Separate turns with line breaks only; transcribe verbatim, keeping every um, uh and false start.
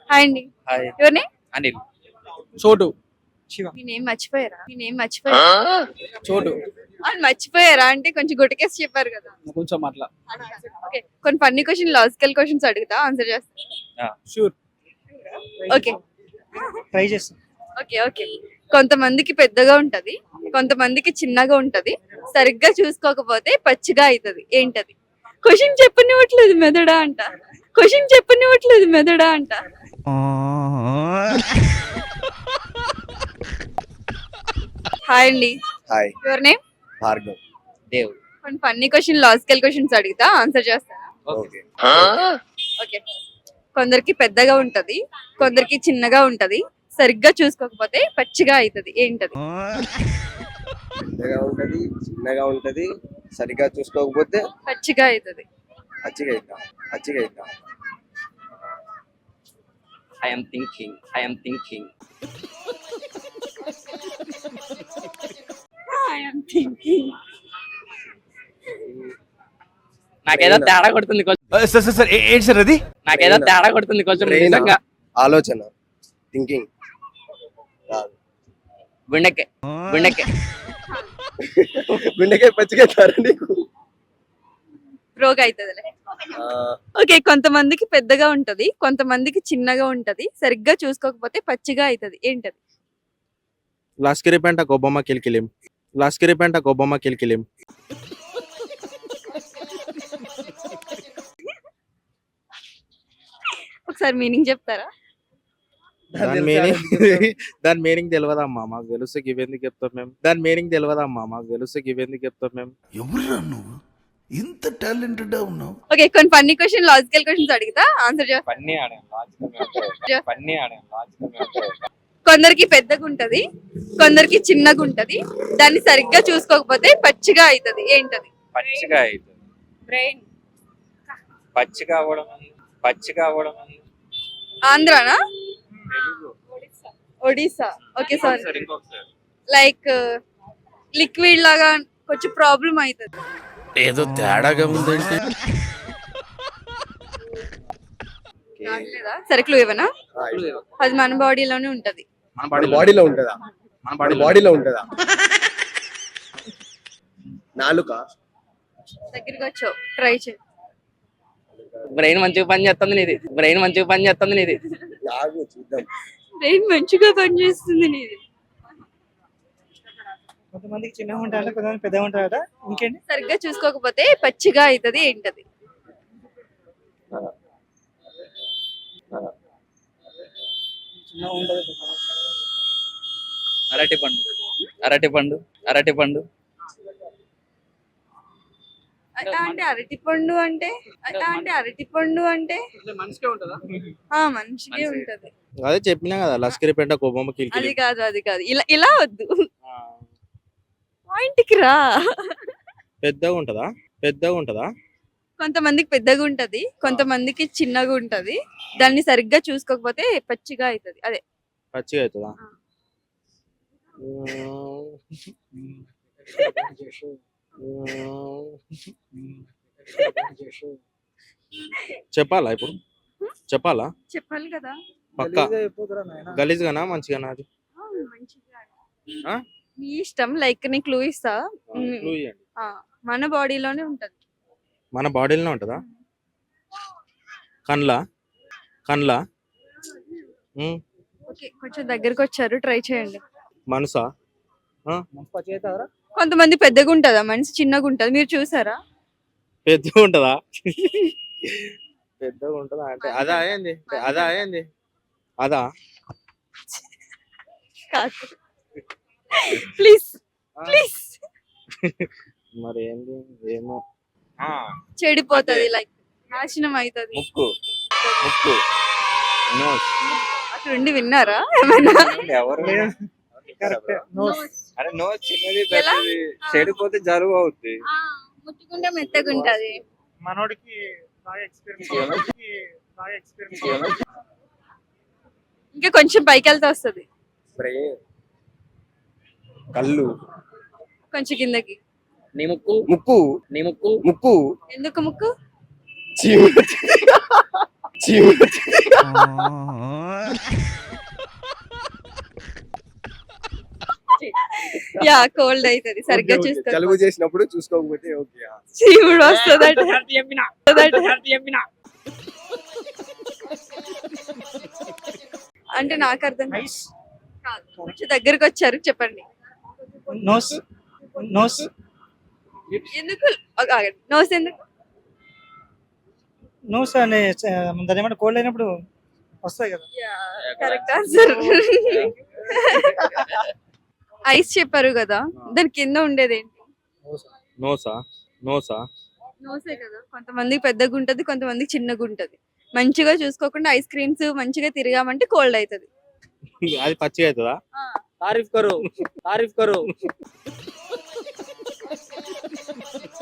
Hi అండి.
Hi
your name?
Anil.
Chotu
Shiva.
Me name మర్చిపోయారా? మీ name మర్చిపోయారా?
చోటు
అవును, మర్చిపోయారా అంటే కొంచెం గుటకేసి చెప్పారు కదా.
కొంచెం అట్లా
ఓకే, కొన్ని ఫన్నీ క్వశ్చన్, లాజికల్ క్వశ్చన్స్ అడుగుతా, ఆన్సర్ చేస్తా.
షూర్
ఓకే
ట్రై చేస్తాం.
ఓకే ఓకే కొంతమందికి పెద్దగా ఉంటది, కొంతమందికి చిన్నగా ఉంటది, సరిగ్గా చూసుకోకపోతే పచ్చిగా అవుతుంది, ఏంటది? క్వశ్చన్ చెప్పనివ్వట్లేదు మెదడా అంట, క్వశ్చన్ చెప్పనివ్వట్లేదు మెదడా అంట. హాయ్ అండి.
Hi
your name?
Bhargav.
Dev.
కొన్ని ఫన్నీ క్వశ్చన్, లాజికల్ క్వశ్చన్స్ అడుగుతా, ఆన్సర్ చేస్తారా?
Okay
okay. కొందరికి పెద్దగా ఉంటది, కొందరికి చిన్నగా ఉంటది, సరిగ్గా చూసుకోకపోతే పచ్చిగా అవుతుంది, ఏంటది?
పెద్దగా ఉంటది, చిన్నగా ఉంటది, సరిగ్గా చూసుకోకపోతే
పచ్చిగా అవుతుంది.
పచ్చిగా అవుతా పచ్చిగా అవుతా
I am thinking I am thinking నాకేదో తేడా కొడుతుంది కొంచెం.
సార్ సార్ సార్ ఏంటి సార్ అది?
నాకేదో తేడా కొడుతుంది కొంచెం
Brain ఆ?
నిజంగా.
ఆలోచన థింకింగ్
గుండెకే గుండెకే
గుండెకాయ పచ్చిగా అవుతారా నీకు?
రోగ్ అవుతుందిలే. ఓకే, కొంతమందికి పెద్దగా ఉంటది, కొంతమందికి చిన్నగా ఉంటది, సరిగ్గా చూసుకోకపోతే పచ్చిగా అవుతుంది, ఏంటది?
లాస్కిరి పెంట గొబ్బమ్మ కిలికిలిం లాస్కిరి పెంట గొబ్బమ్మ కిలికిలిం
ఒకసారి మీనింగ్ చెప్తారా?
దాని మీనింగ్ దాని మీనింగ్ తెలియదమ్మా, మాకు తెలుసు ఇవెందుకు చెప్తాం మేము. దాని మీనింగ్ తెలియదమ్మా, మాకు తెలుసు ఇవెందుకు చెప్తాం మేము.
ఎవరురా నువ్వు ఇంత టాలెంటెడ్ ఉన్నావు?
ఓకే, కొన్ని ఫన్నీ క్వశ్చన్, లాజికల్ క్వశ్చన్స్ అడుగుతా, ఆన్సర్ చేస్తా.
పన్నీ ఆడాను లాజికల్ పన్నీ ఆడాను లాజికల్.
కొందరికి పెద్దగా ఉంటది, కొందరికి చిన్నగా ఉంటది, దాన్ని సరిగ్గా చూసుకోకపోతే పచ్చిగా అవుతుంది, ఏంటది?
పచ్చిగా అవుతుంది.
బ్రెయిన్.
పచ్చిగా అవ్వడం అని- పచ్చిగా అవ్వడం అని-
ఆంధ్రానా?
తెలుగు.
ఒడిస్సా. Okay sorry.
ఇంకొకసారి, ఇంకొకసారి.
లైక్ లిక్విడ్ లాగా కొంచెం ప్రాబ్లం అవుతుంది.
ఏదో తేడాగా ఉందంటే
సరే, క్లూ ఇవ్వనా? అది మన బాడీలోనే ఉంటది.
మన
మన
బాడీలో
బాడీలో ఉంటుందా?
మన
మన
బాడీలో
బాడీలో ఉంటుందా? నాలుక.
దగ్గరికి వచ్చావు, ట్రై చేయి.
బ్రెయిన్ మంచిగా పని చేస్తుంది నీది, బ్రెయిన్ మంచిగా పని చేస్తుంది నీది.
నాగు చూద్దాం.
బ్రెయిన్ మంచిగా పనిచేస్తుంది నీది.
కొంతమందికి చిన్నగా ఉంటారట, కొంతమంది పెద్దగా ఉంటారట. ఇంకేంటి?
సరిగ్గా చూసుకోకపోతే పచ్చిగా అవుతుంది, ఏంటది?
చిన్నగా ఉండదు.
అరటి పండు అరటి పండు అరటి పండు
అ- అంటే అరటి పండు అంటే అ- అంటే అరటి పండు అంటే
మనిషికే ఉంటుందా?
ఆ మనిషికే ఉంటది.
అదే చెప్పినా కదా, లస్కరి పెంట గొబ్బమ్మ
అది
కిలికిలిం.
కాదు, అది కాదు, ఇలా ఇలా వద్దు, పాయింట్ కి రా.
పెద్దగా ఉంటుందా? పెద్దగా ఉంటుందా?
కొంతమందికి పెద్దగా ఉంటది, కొంతమందికి చిన్నగా ఉంటది, దాన్ని సరిగ్గా చూసుకోకపోతే పచ్చిగా అవుతుంది, అదే.
పచ్చిగా అవుతుందా?
ఆ.
చెప్పాలా ఇప్పుడు? చెప్పాలా?
చెప్పాలి కదా.
పక్క
గలీజ్గా అయిపోతురా నాయనా.
గలీజ్గానా మంచిగానా అది?
ఆ, మంచిగా.
ఆ?
మీ ఇష్టం. లైక్ నీ క్లూ ఇస్తా. మ్,
Clue ఇయ్యండి.
ఆ, మన బాడీలోనే ఉంటది.
మన బాడీలోనే ఉంటుందా? కండ్లా కండ్లా ఉమ్,
ఓకే, కొంచెం దగ్గరకు వచ్చారు, ట్రై చేయండి.
మనసా?
మంచి పచ్చి అవుతారా?
కొంతమంది పెద్దగా ఉంటదా, మనిషి చిన్నగా ఉంటది, మీరు చూసారా?
పెద్దగా ఉంటుందా? పెద్దగా ఉంటుందా అంటే అదా ఏంది? అదా ఏంది? అదా?
కాదు, ప్లీజ్
ఆ,
ప్లీజ్.
మరి ఏంది? ఏమో.
ఆ,
చెడిపోతది, లైక్ నాశనం అవుతుంది.
ముక్కు ముక్కు నోస్.
అక్కడ ఉండి విన్నారా ఏమైనా?
ఎవరు
కరెక్ట్. నోస్.
అరే నోస్ చిన్నది
ఎలా?
పెద్దది చెడిపోతే జరుగు అవుద్ది.
ఆ, ముట్టుకుంటే మెత్తగా ఉంటది.
మనోడికి బాగా ఎక్స్పీరియన్స్ బాగా ఎక్స్పీరియన్స్
ఇంకా కొంచెం పైకి వెళ్తే వస్తుంది,
బ్రెయిన్. కళ్ళు.
కొంచెం కిందకి.
నీ ముక్కు
ముక్కు.
నీ ముక్కు
ముక్కు.
ఎందుకు ముక్కు?
చీమ. చీమ.
యా కోల్డ్ అవుతుంది సరిగ్గా
ఓకే, ఓకే.
చూసుకో
జలుబు చేసినప్పుడు చూసుకోకపోతే ఓకే
శివుడు వస్తుందట అంటే నాకు అర్థం కాదు.
ఐస్
కాదు. కొంచెం దగ్గరకు వచ్చారు చెప్పండి
నోస్ నోస్
ఎందుకు నోస్ ఎందుకు
నోస్ అనే చ- దాని ఏమంటే కోల్డ్ అయినప్పుడు వస్తాయి కదా.
కరెక్ట్ ఆన్సర్ ఐస్ చెప్పారు కదా దాని కింద ఉండేది ఏంటి
నోసా నోసా
నోసే కదా కొంతమందికి పెద్దగా ఉంటది కొంతమందికి చిన్నగా ఉంటది మంచిగా చూసుకోకుండా ఐస్ క్రీమ్స్ మంచిగా తిరిగామంటే కోల్డ్ అవుతుంది
అది పచ్చిగా అవుతుందా
तारीफ करो तारीफ करो